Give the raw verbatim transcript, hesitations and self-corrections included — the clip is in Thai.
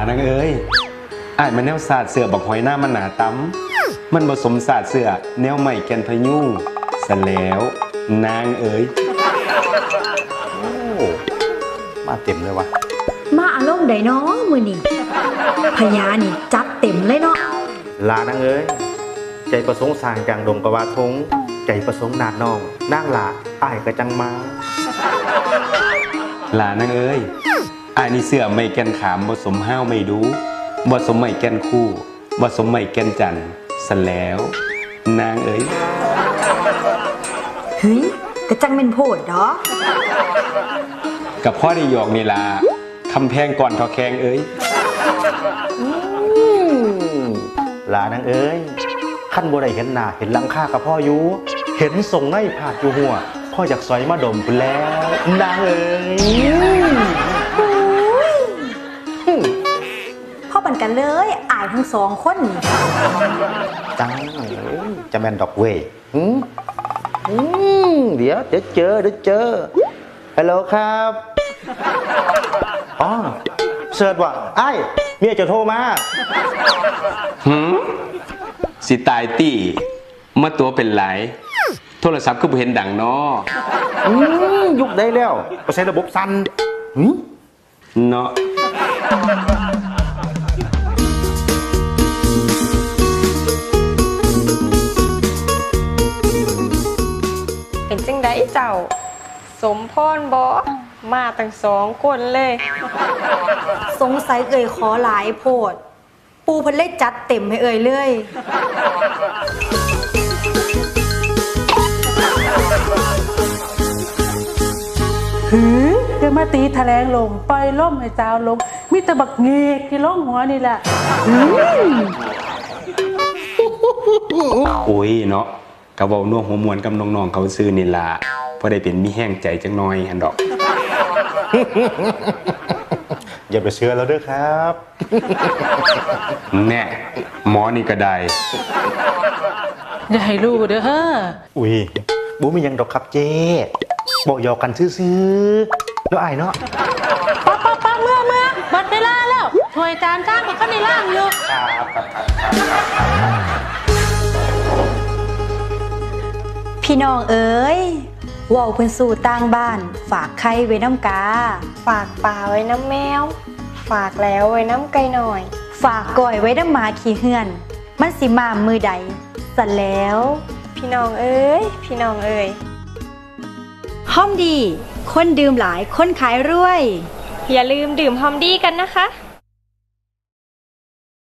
นางเอ้ยอ้ายมันแนวศาสตร์เสือบักหอยหน้ามันหนาตั้มมันผสมศาสตร์เสือแนวใหม่แกนพยุงซะแล้วนางเอ้ยโอ้มาเต็มเลยวะมาอารมณ์ใดน้องมือนี่พญานี่จัดเต็มเลยเนาะลานางเอ้ยใจประสงค์สร้างจังดงกะวาทงใจประสงค์นาดน้องนางหลาอ้ายกระจังมาลานางเอ้ยอ้ายนี่เสือไม่แกนขามผสมห้าวไม่ดูผสมไม่แกนคู่ผสมไม่แกนจันซะแล้วนางเอ้ยเฮ้ยกระจังเป็นโพดดอกับพ่อได้หยอกนี่ล่ะคำแพงก่อนทอแขงเอ้ยลานางเอ้ยขั้นบ่ได้เห็นหน้าเห็นหลังค่ากับพ่ออยู่เห็นส่งในผาดอยู่หัวพ่ออยากสอยมาดมคุณแล้วนางเอ้ยพ่อปันกันเลยอายทั้งสองคนจังจะแมนดอกเว่ยเดี๋ยวเดี๋ยวเจอเดี๋ยวเจอฮัลโหลครับอ๋อเสิร์ชว่ะไอ้เมียจะโทรมาหืมสิตายตี้มาตัวเป็นไหลโทรศัพท์ก็บ่เห็นดังเนาะยุคได้แล้วก็ใช้ระบบสั้นเนาะเป็นจังไดเจ้าสมพรบ่มาตั้งสองคนเลยสงสัยเอ่ยขอหลายโพดปูเพิ่นเลยจัดเต็มให้เอ่ยเลยหือจะมาตีแถลงลงปล่อยล่มให้เจ้าลงมีแต่บักเงกที่ล่องหัวนี่แหละโอ้ยเนาะกะเว้าน่วงหัวมวนกับน้องๆเขาซื้อนี่ล่ะพอได้เป็นมีแห้งใจจังน้อยหั่นดอกอย่าไปเชื่อแล้วเด้อครับแน่หมอนี่ก็ได้อย่าให้รู้เด้อเฮ้ออุ้ยบูมียังดอกครับเจ๊บอกหยอกกันซื่อๆแล้วไอ้เนาะป๊าป๊าป๊าเมื่อเมื่อบัดเวลาแล้วถวยจานข้างกับข้าวในล่างอยู่พี่น้องเอ๋ยว่าวเพิ่นสู่ต่างบ้านฝากไข่ไว้น้ำกาฝากปลาไว้น้ำแมวฝากแล้วไว้น้ำไก่หน่อยฝากก้อยไว้น้ำหมาขี้เหือนมันสิมามือใดสั่นแล้วพี่น้องเอ๋ยพี่น้องเอ๋ยหอมดีคนดื่มหลายคนขายรวยอย่าลืมดื่มหอมดีกันนะคะ